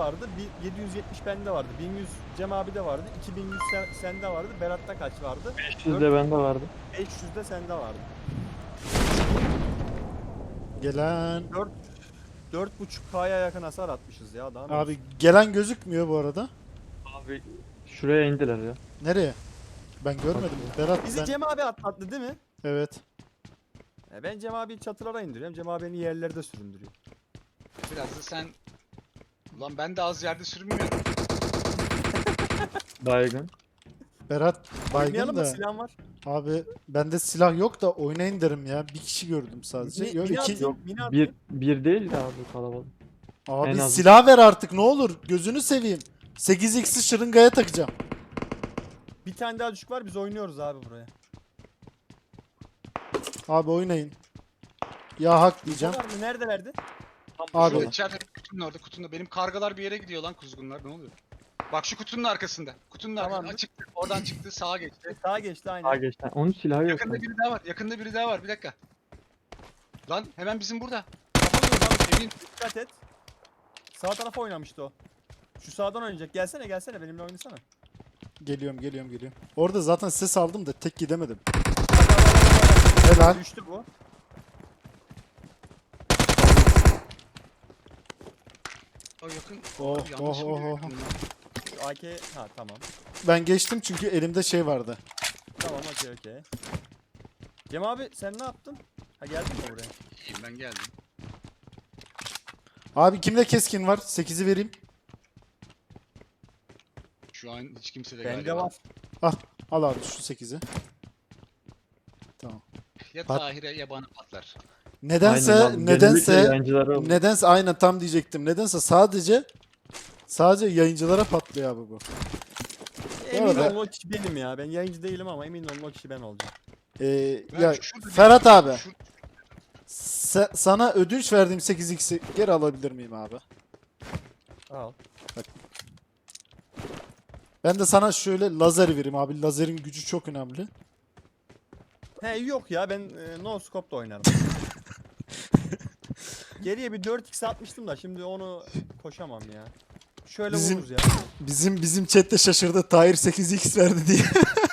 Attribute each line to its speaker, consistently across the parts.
Speaker 1: vardı. 770 bende vardı. 1100 Cem abi de vardı. 2100 sende vardı. Berat'ta kaç vardı?
Speaker 2: 500 de bende vardı.
Speaker 1: 500 de sende vardı.
Speaker 3: Gelen
Speaker 1: 4.5K'ya yakın hasar atmışız ya. Daha ne
Speaker 3: abi
Speaker 1: olsun?
Speaker 3: gelen gözükmüyor bu arada.
Speaker 2: Abi şuraya indiler ya.
Speaker 3: Nereye? Ben görmedim. Berat
Speaker 1: Bizi
Speaker 3: sen.
Speaker 1: Cem abi atlattı değil mi?
Speaker 3: Evet.
Speaker 1: Ben Cem abiyi çatılara indiriyorum. Cem abi beni yerlerde süründürüyor.
Speaker 4: Biraz da sen... Ulan ben de az yerde sürünmüyorum.
Speaker 2: Baygın.
Speaker 3: Berat baygın
Speaker 1: Oynayalım mı?
Speaker 3: da.
Speaker 1: Silahım var.
Speaker 3: Abi bende silah yok da oynayın derim ya. Bir kişi gördüm sadece. Yok
Speaker 1: Mini
Speaker 3: iki.
Speaker 1: atayım, mini atayım.
Speaker 2: Bir değil de abi kalabalık. En
Speaker 3: Abi
Speaker 2: az-
Speaker 3: silah ver artık ne olur. Gözünü seveyim. 8x'i şırıngaya takacağım.
Speaker 1: Bir tane daha düşük var. Biz oynuyoruz abi buraya.
Speaker 3: Abi oynayın. Ya hak diyeceğim.
Speaker 1: Var mı? Neredelerdi?
Speaker 3: Abi.
Speaker 4: Şurada içeride kutunun orada kutunun. Benim kargalar bir yere gidiyor lan kuzgunlar, ne oluyor? Bak şu kutunun arkasında. Kutunun
Speaker 1: Tamam.
Speaker 4: arkasında çıktı. Oradan çıktı, sağa geçti.
Speaker 1: Sağa geçti aynen.
Speaker 2: Sağa geçti. Onun silahı yok.
Speaker 4: Yakında
Speaker 2: sanki.
Speaker 4: biri daha var. Yakında biri daha var. Bir dakika. Lan hemen bizim burada. Kapatıyoruz abi. Emin.
Speaker 1: Dikkat et. Sağ tarafa oynamıştı o. Şu sağdan oynayacak. Gelsene benimle oynasana.
Speaker 3: Geliyorum. Orada zaten ses aldım da tek gidemedim.
Speaker 1: Bak.
Speaker 3: Helal.
Speaker 1: Düştü bu.
Speaker 4: O yakın.
Speaker 3: Oh,
Speaker 4: Abi yanlış
Speaker 3: oh,
Speaker 4: mı
Speaker 3: oh,
Speaker 4: diyor
Speaker 3: oh.
Speaker 4: yakın ya?
Speaker 1: Şu AK. Ha tamam.
Speaker 3: Ben geçtim çünkü elimde şey vardı.
Speaker 1: Tamam okey. Cem abi sen ne yaptın? Ha geldin mi buraya?
Speaker 4: İyiyim, ben geldim.
Speaker 3: Abi kimde keskin var? 8'i vereyim.
Speaker 4: Şu an hiç kimse de
Speaker 1: Bende
Speaker 4: galiba.
Speaker 1: var.
Speaker 3: Al abi şu 8'i. Tamam.
Speaker 4: Ya
Speaker 3: Pat-
Speaker 4: Tahir'e ya bana patlar.
Speaker 3: Nedense
Speaker 2: Aynen abi. Genellikle yayıncılara oluyor.
Speaker 3: nedense aynen tam diyecektim. Nedense sadece yayıncılara patlıyor abi bu.
Speaker 1: Emin
Speaker 3: arada-
Speaker 1: olun o kişi benim ya. Ben yayıncı değilim ama emin olun o kişi ben olacağım.
Speaker 4: Ben
Speaker 3: Ya
Speaker 4: şurada bir-
Speaker 3: Ferhat abi
Speaker 4: Şu-
Speaker 3: sana ödünç verdiğim 8x'i geri alabilir miyim abi?
Speaker 1: Al.
Speaker 3: Ben de sana şöyle lazer vereyim abi. Lazerin gücü çok önemli.
Speaker 1: He yok ya ben no scope'da oynarım. Geriye bir 4x atmıştım da şimdi onu koşamam ya. Şöyle
Speaker 3: Bizim-
Speaker 1: vururuz ya.
Speaker 3: Bizim chatte şaşırdı. Tahir 8x verdi diye.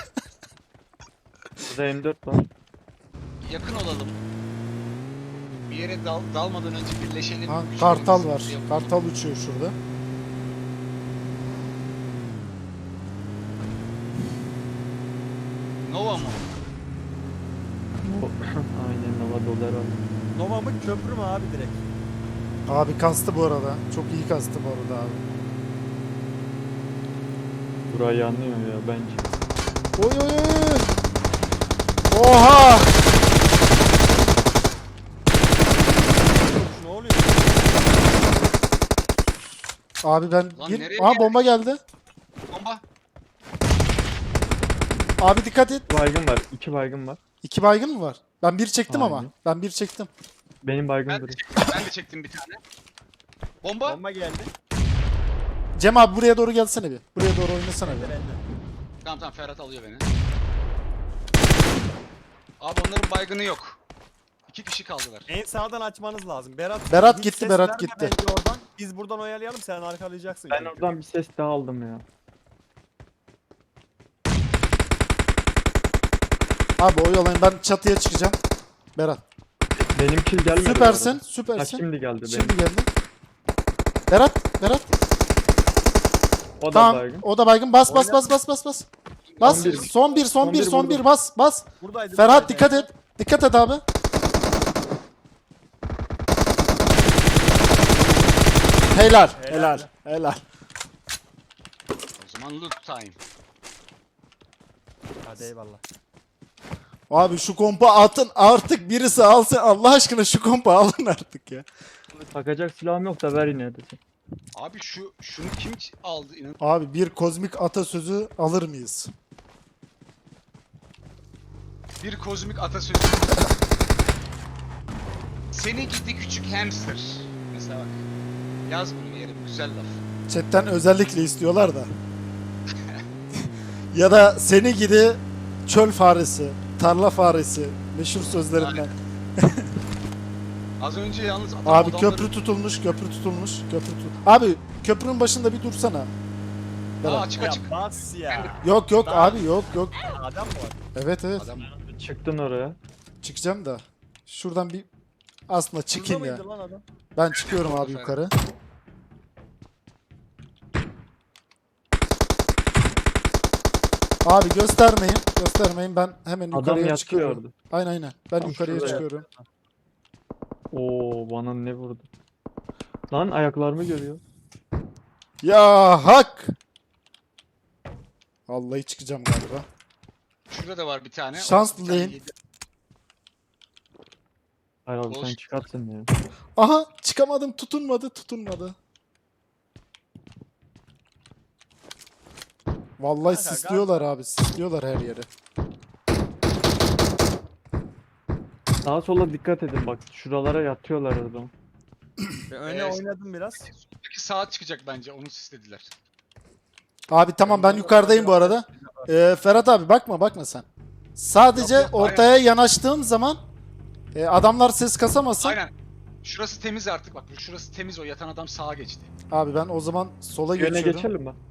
Speaker 2: Burada M4 var.
Speaker 4: yakın olalım. Bir yere dalmadan önce birleşelim.
Speaker 3: Ha,
Speaker 4: güçlerimizi
Speaker 3: kartal var.
Speaker 4: yapalım.
Speaker 3: Kartal uçuyor şurada.
Speaker 4: Nova mu?
Speaker 2: Aynen Nova dolar var.
Speaker 1: Nova mı köprü mü abi direkt?
Speaker 3: Abi kastı bu arada. Çok iyi kastı bu arada abi.
Speaker 2: Burayı yanlıyor ya bence.
Speaker 3: Oy. Oha!
Speaker 1: Ne oluyor?
Speaker 3: Abi ben
Speaker 4: Lan
Speaker 3: bir...
Speaker 4: nereye
Speaker 3: Aha bomba geldi.
Speaker 4: Bomba.
Speaker 3: Abi dikkat et.
Speaker 2: Baygın var. 2 baygın var.
Speaker 3: 2 baygın mı var? Ben bir çektim ama.
Speaker 2: Aynen.
Speaker 3: Ben bir çektim.
Speaker 2: Benim baygın
Speaker 4: Ben de
Speaker 2: duruyor.
Speaker 4: çektim, ben de çektim bir tane. Bomba.
Speaker 1: Bomba geldi.
Speaker 3: Cem abi buraya doğru gelsene bir. Buraya doğru oynasana bir.
Speaker 1: Bende.
Speaker 4: Tamam Ferhat alıyor beni. Abi onların baygını yok. 2 kişi kaldılar.
Speaker 1: En sağdan açmanız lazım.
Speaker 3: Berat
Speaker 1: hiç
Speaker 3: gitti,
Speaker 1: ses
Speaker 3: Berat
Speaker 1: verme
Speaker 3: gitti.
Speaker 1: bence oradan. Biz buradan oyalayalım sen arkalayacaksın.
Speaker 2: Ben
Speaker 1: çünkü.
Speaker 2: oradan bir ses daha aldım ya.
Speaker 3: Abi oyalayın ben çatıya çıkacağım. Berat.
Speaker 2: Benim kill gelmedi. bu
Speaker 3: Süpersin.
Speaker 2: arada. Ha,
Speaker 3: Süpersin.
Speaker 2: şimdi geldi benim.
Speaker 3: Şimdi geldi. Berat.
Speaker 2: O da
Speaker 3: Tamam.
Speaker 2: baygın.
Speaker 3: O da baygın. Bas.
Speaker 1: Oyna.
Speaker 3: Bas.
Speaker 2: 11.
Speaker 3: Son bir
Speaker 2: vurdum.
Speaker 3: bas.
Speaker 1: Buradaydı.
Speaker 3: Ferhat
Speaker 1: buradaydı.
Speaker 3: dikkat et. Dikkat et abi. Helal.
Speaker 4: O zaman loot time.
Speaker 1: Hadi eyvallah.
Speaker 3: Abi şu kompa atın artık birisi alsın. Allah aşkına şu kompa alın artık ya.
Speaker 2: Takacak silahım yok da ver yine de.
Speaker 4: Abi şunu kim aldı inan.
Speaker 3: Abi bir kozmik atasözü alır mıyız?
Speaker 4: Bir kozmik atasözü. Seni gidi küçük hamster. Mesela bak. Yaz bunu bir yere, bu güzel laf.
Speaker 3: Chatten özellikle istiyorlar da. Ya da seni gidi çöl faresi, tarla faresi meşhur sözlerinden.
Speaker 4: Az önce yalnız
Speaker 3: Abi köprü tutulmuş. Abi köprünün başında bir dursana.
Speaker 4: Aa
Speaker 3: Berat.
Speaker 4: açık
Speaker 1: Ya
Speaker 4: açık.
Speaker 1: bas ya.
Speaker 3: Yok yok
Speaker 1: Ben-
Speaker 3: abi yok yok.
Speaker 1: Adam mı var?
Speaker 3: Evet evet.
Speaker 4: Adam
Speaker 2: Çıktın oraya.
Speaker 3: Çıkacağım da. Şuradan bir aslında çıkayım
Speaker 1: Burada
Speaker 3: ya.
Speaker 1: mıydı lan adam?
Speaker 3: Ben çıkıyorum
Speaker 4: Orada
Speaker 3: abi
Speaker 4: Ferhat.
Speaker 3: yukarı. Abi göstermeyin. Göstermeyin. Ben hemen
Speaker 2: Adam
Speaker 3: yukarıya
Speaker 2: yatıyor
Speaker 3: çıkıyorum.
Speaker 2: orada.
Speaker 3: Aynen aynen. Ben
Speaker 2: Tam
Speaker 3: yukarıya
Speaker 2: şurada
Speaker 3: çıkıyorum.
Speaker 2: Oo bana ne vurdu? Lan ayaklarımı görüyor.
Speaker 3: Ya hak. Vallahi çıkacağım galiba.
Speaker 4: şurada da var bir tane.
Speaker 3: Şanslı
Speaker 4: O bir tane
Speaker 3: değil.
Speaker 4: yedi.
Speaker 2: Hayır abi sen
Speaker 4: Olsun.
Speaker 2: çıkartsın ya.
Speaker 3: Aha çıkamadım. Tutunmadı. Vallahi
Speaker 1: Kanka,
Speaker 3: sisliyorlar abi. Sisliyorlar her yere.
Speaker 2: Sağa sola dikkat edin bak. Şuralara yatıyorlar o zaman.
Speaker 1: Ben öne oynadım biraz.
Speaker 4: Soldaki sağa çıkacak bence. Onu sislediler.
Speaker 3: Abi tamam ben yukarıdayım bu arada. Ferhat abi bakma sen. Sadece
Speaker 4: Yok, yok,
Speaker 3: ortaya yanaştığım zaman adamlar ses kasamasın.
Speaker 4: Aynen. Şurası temiz artık bak. Şurası temiz, o yatan adam sağa geçti.
Speaker 3: Abi ben o zaman sola
Speaker 2: Yöne
Speaker 3: geçiyorum.
Speaker 2: geçelim mi?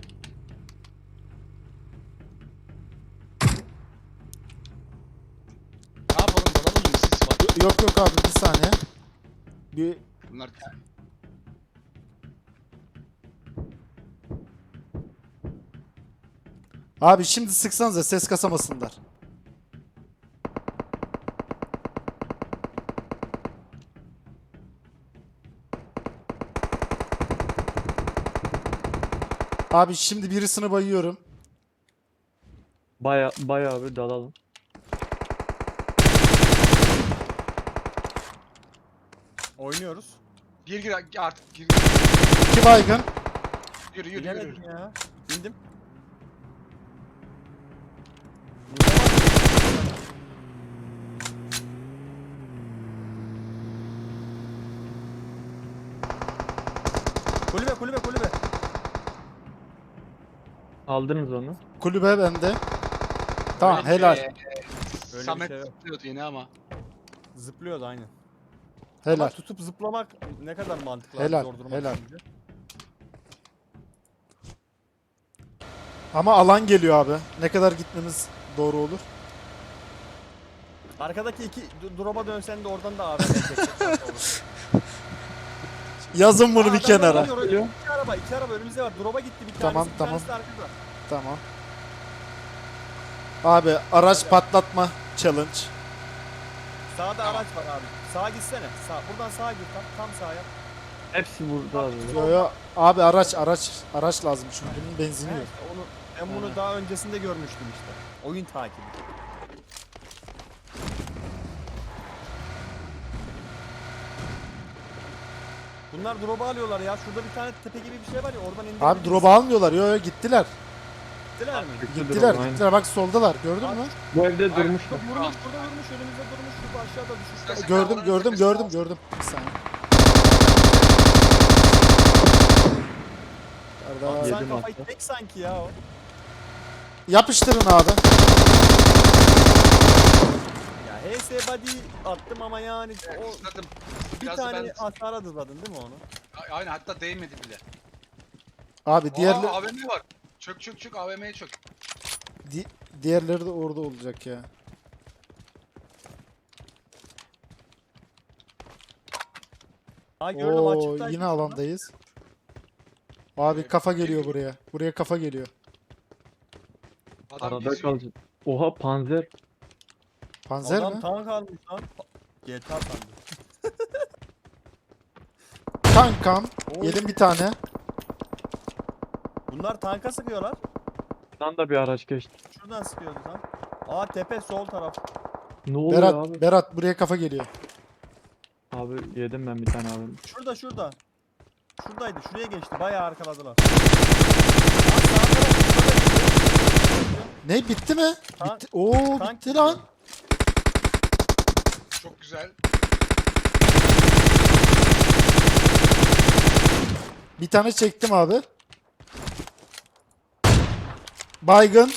Speaker 4: Ne yapalım, dalalım mı? Sis var.
Speaker 3: Yok abi bir saniye. Bir
Speaker 4: Bunlar
Speaker 3: Abi şimdi sıksanıza ses kasamasınlar. Abi şimdi birisini bayıyorum.
Speaker 2: Baya bir dalalım.
Speaker 1: Oynuyoruz.
Speaker 4: gir artık gir.
Speaker 3: 2 baygın.
Speaker 4: Yürü.
Speaker 1: Bilemedim ya. Bindim. Kulübe.
Speaker 2: Aldınız onu.
Speaker 3: Kulübe bende. Tamam
Speaker 4: Öyle
Speaker 3: helal.
Speaker 4: bir
Speaker 1: bir
Speaker 4: Samet
Speaker 1: şey yok.
Speaker 4: zıplıyordu yine ama.
Speaker 1: Zıplıyordu aynen.
Speaker 3: Helal.
Speaker 1: Ama tutup zıplamak ne kadar mantıklı.
Speaker 3: Helal,
Speaker 1: Zor duruma
Speaker 3: helal.
Speaker 1: düşünce.
Speaker 3: Ama alan geliyor abi. Ne kadar gitmemiz doğru olur?
Speaker 1: Arkadaki iki drop'a dönsen de oradan da AVM çekecek.
Speaker 3: Yazın bunu bir kenara.
Speaker 1: İki araba önümüzde var. Drop'a gitti bir tanesi.
Speaker 3: Tamam,
Speaker 1: bir
Speaker 3: tamam.
Speaker 1: tanesi de arkada.
Speaker 3: Tamam. Abi araç patlatma challenge.
Speaker 1: Sağda araç var abi. Sağa gitsene. Buradan sağa gir. Tam sağa yap.
Speaker 2: Hepsi burada abi.
Speaker 3: Yo abi araç lazım çünkü bunun benzini yok.
Speaker 1: işte ben bunu daha öncesinde görmüştüm işte. Oyun takibi. Bunlar drop'u alıyorlar ya. Şurada bir tane tepe gibi bir şey var ya. Oradan indirebiliriz.
Speaker 3: Abi drop almıyorlar. Yo gittiler.
Speaker 1: Gittiler mi?
Speaker 3: Gittiler
Speaker 2: Aynen.
Speaker 3: gittiler. Bak soldalar. Gördün mü?
Speaker 2: Bu evde
Speaker 4: Aynen.
Speaker 2: durmuşlar.
Speaker 1: Burada vurmuş. Önümüzde durmuş. Şurada aşağıda düşmüş.
Speaker 4: İstersen
Speaker 3: Gördüm
Speaker 4: oranın
Speaker 3: gördüm
Speaker 4: tepesine
Speaker 3: gördüm
Speaker 4: al.
Speaker 3: gördüm. Bir saniye. Kardeş.
Speaker 1: Sen
Speaker 2: Yedim
Speaker 1: kafayı
Speaker 2: hatta.
Speaker 1: tek sanki ya o.
Speaker 3: Yapıştırın abi.
Speaker 1: Ya HS body attım ama yani o
Speaker 4: Isladım.
Speaker 1: bir
Speaker 4: Biraz
Speaker 1: tane
Speaker 4: ben...
Speaker 1: hasara dızladın değil mi onu?
Speaker 4: Aynen, hatta değmedi bile.
Speaker 3: Abi
Speaker 4: Aa, AVM var. Çök AVM'ye çök.
Speaker 3: diğerleri de orada olacak ya.
Speaker 1: Ha gördüm
Speaker 3: Oo
Speaker 1: açıktaydı.
Speaker 3: yine alandayız. Abi kafa geliyor buraya. Buraya kafa geliyor.
Speaker 4: Adam
Speaker 2: Arada
Speaker 4: geziyor.
Speaker 2: kalacak. Oha panzer.
Speaker 3: Panzer
Speaker 1: Adam
Speaker 3: mi?
Speaker 1: tank almış lan. GTA sandım.
Speaker 3: Kankam.
Speaker 1: Oo.
Speaker 3: Yedim bir tane.
Speaker 1: Bunlar tanka sıkıyorlar.
Speaker 2: Buradan da bir araç geçti.
Speaker 1: Şuradan sıkıyordu lan. Aa tepe sol taraf.
Speaker 2: Ne oluyor
Speaker 3: Berat,
Speaker 2: abi?
Speaker 3: Berat buraya kafa geliyor.
Speaker 2: Abi yedim ben bir tane abi.
Speaker 1: Şurada. Şuradaydı. Şuraya geçti. Bayağı arkaladılar. Aa, sağ taraf şurada.
Speaker 3: Ne bitti mi?
Speaker 1: Tank-
Speaker 3: Bitti. Oo
Speaker 1: tank
Speaker 3: bitti lan.
Speaker 4: Çok güzel.
Speaker 3: Bir tane çektim abi. Baygın.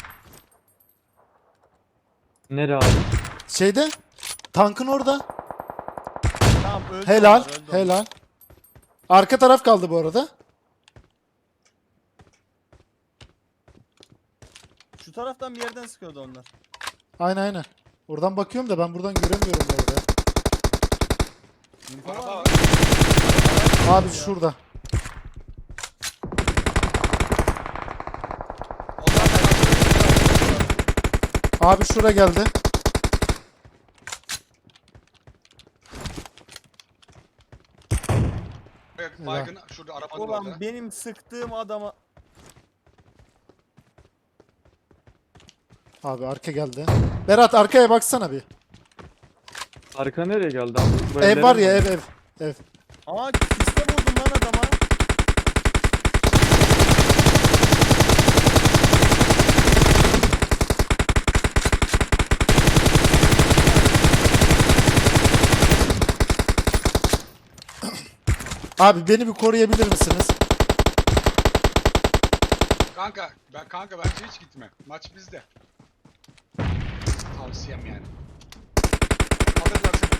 Speaker 2: Nere abi?
Speaker 3: Şeyde. Tankın orada.
Speaker 1: Tamam öldü.
Speaker 3: Helal.
Speaker 1: onlar, öldü
Speaker 3: Helal. Arka taraf kaldı bu arada.
Speaker 1: taraftan bir yerden sıkıyordu onlar.
Speaker 3: Aynen. Oradan bakıyorum da ben buradan göremiyorum orada.
Speaker 1: İnfo
Speaker 4: Araba
Speaker 1: var
Speaker 4: var.
Speaker 1: mı?
Speaker 3: Abi şurada.
Speaker 4: Onlar da
Speaker 3: Abi şura geldi.
Speaker 4: baygın şurada arabanın
Speaker 1: Ulan
Speaker 4: orada.
Speaker 1: benim sıktığım adama...
Speaker 3: Abi arka geldi. Berat arkaya baksana bir.
Speaker 2: Arka nereye geldi abi? Bu
Speaker 3: Ev
Speaker 2: evlerin
Speaker 3: var ya
Speaker 2: mi?
Speaker 3: ev.
Speaker 1: Aa siste vurdum lan adama.
Speaker 3: Abi beni bir koruyabilir misiniz?
Speaker 4: Kanka bence hiç gitme. Maç bizde. Tavsiyem yani. Alırlar seni.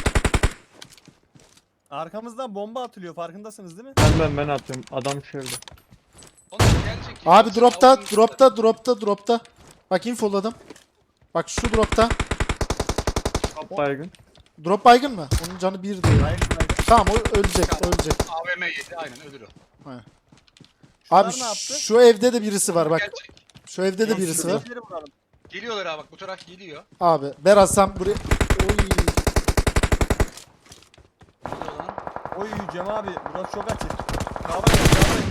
Speaker 1: Arkamızdan bomba atılıyor farkındasınız değil mi?
Speaker 2: Ben atıyorum. Adam şöyle.
Speaker 4: Onlar gelecek.
Speaker 3: Abi
Speaker 4: Yoksa
Speaker 3: dropta. Bak infoladım. Bak şu dropta.
Speaker 2: Top baygın.
Speaker 3: Drop baygın mı? Onun canı 1 diyor.
Speaker 1: Hayır hayır.
Speaker 3: Tamam o ölecek.
Speaker 4: AVM yedi aynen ölür o.
Speaker 1: Şunlar
Speaker 3: Abi
Speaker 1: ne yaptı?
Speaker 3: şu evde de birisi var bak.
Speaker 4: Gelecek.
Speaker 3: Şu evde de birisi var.
Speaker 1: Şuradakileri vuralım.
Speaker 4: Geliyorlar abi bak bu taraf geliyor.
Speaker 3: Abi Berat sen buraya... Oy.
Speaker 4: Geliyor lan.
Speaker 1: Oy Cem abi burası çok açık. Kavra.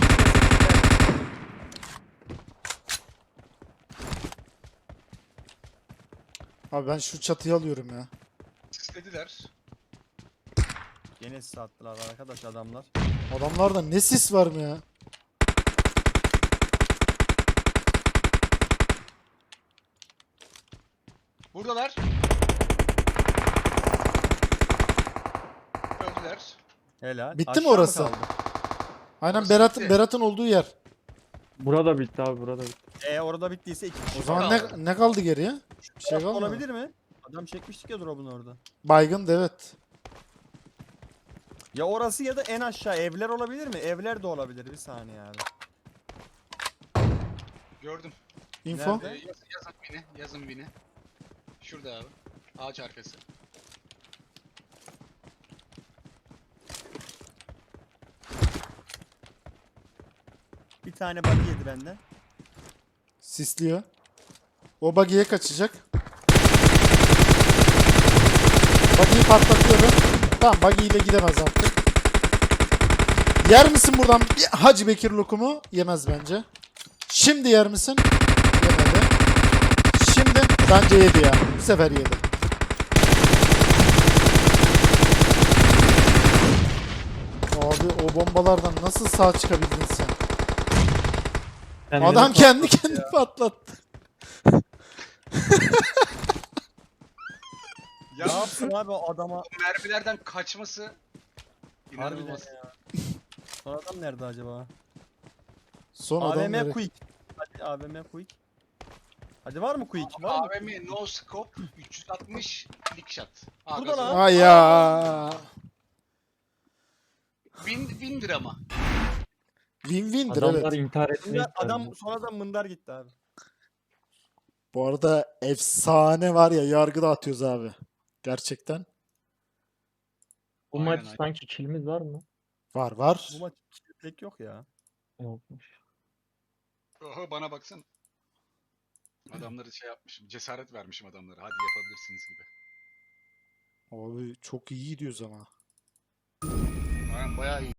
Speaker 3: Abi ben şu çatıyı alıyorum ya.
Speaker 4: Sislediler.
Speaker 1: Gene sis attılar arkadaş adamlar.
Speaker 3: Adamlarda ne sis var mı ya?
Speaker 4: Buradalar. Öldüler.
Speaker 1: Helal.
Speaker 3: Bitti mi
Speaker 1: Aşağı mı
Speaker 3: orası?
Speaker 1: kaldı?
Speaker 3: Aynen
Speaker 4: Orası
Speaker 3: Berat'ın
Speaker 4: bitti.
Speaker 3: Berat'ın olduğu yer.
Speaker 2: Burada bitti abi, burada bitti.
Speaker 1: Orada bittiyse iki kişi
Speaker 3: O zaman
Speaker 4: kaldı.
Speaker 3: ne kaldı geriye? Bir şey kalmadı.
Speaker 1: olabilir mi? Adam çekmiştik ya drop'unu orada.
Speaker 3: Baygın da evet.
Speaker 1: Ya orası ya da en aşağı evler olabilir mi? Evler de olabilir bir saniye abi.
Speaker 4: Gördüm.
Speaker 3: Info.
Speaker 1: Nerede?
Speaker 4: Yazın bini. Yazın bini. Şurada abi. Ağaç arkası.
Speaker 1: Bir tane body yedi benden.
Speaker 3: Sisliyor. O buggy'ye kaçacak. Buggy'yi patlatıyorum. Tamam buggy ile gidemez artık. Yer misin buradan bir Hacı Bekir lokumu? Yemez bence. Şimdi yer misin? Yemedi. Şimdi bence yedi ya. Bu sefer yedi. Abi o bombalardan nasıl sağ çıkabildin sen?
Speaker 2: Kendini
Speaker 3: Adam kendi kendini patlattı.
Speaker 4: Ya
Speaker 1: Ne yapsın abi o adama?
Speaker 4: mermilerden kaçması
Speaker 1: Harbiden
Speaker 4: inanılmaz.
Speaker 1: ya. O adam nerede acaba?
Speaker 3: Son adam
Speaker 1: AVM
Speaker 3: direkt.
Speaker 1: Quick. Hadi AVM Quick. Hadi var mı Quick? Var mı?
Speaker 4: AVM no scope 360 flick shot. Aa,
Speaker 1: Burada
Speaker 4: gazı
Speaker 1: lan.
Speaker 4: var.
Speaker 3: Ay ya.
Speaker 4: Win drama.
Speaker 3: Win-win'dir
Speaker 2: Adamlar
Speaker 3: evet.
Speaker 2: intihar etmeyi
Speaker 1: Adam sonradan mındar gitti abi.
Speaker 3: Bu arada efsane var ya yargı dağıtıyoruz abi. Gerçekten.
Speaker 2: Bu
Speaker 4: Aynen,
Speaker 2: maç
Speaker 4: aynen.
Speaker 2: sanki kilimiz var mı?
Speaker 3: Var.
Speaker 1: Bu maç pek yok ya.
Speaker 2: Yokmuş.
Speaker 4: Oho bana baksana. Adamları şey yapmışım. Cesaret vermişim adamlara. Hadi yapabilirsiniz gibi.
Speaker 3: Abi çok iyi gidiyoruz ama.
Speaker 4: Aynen bayağı iyi.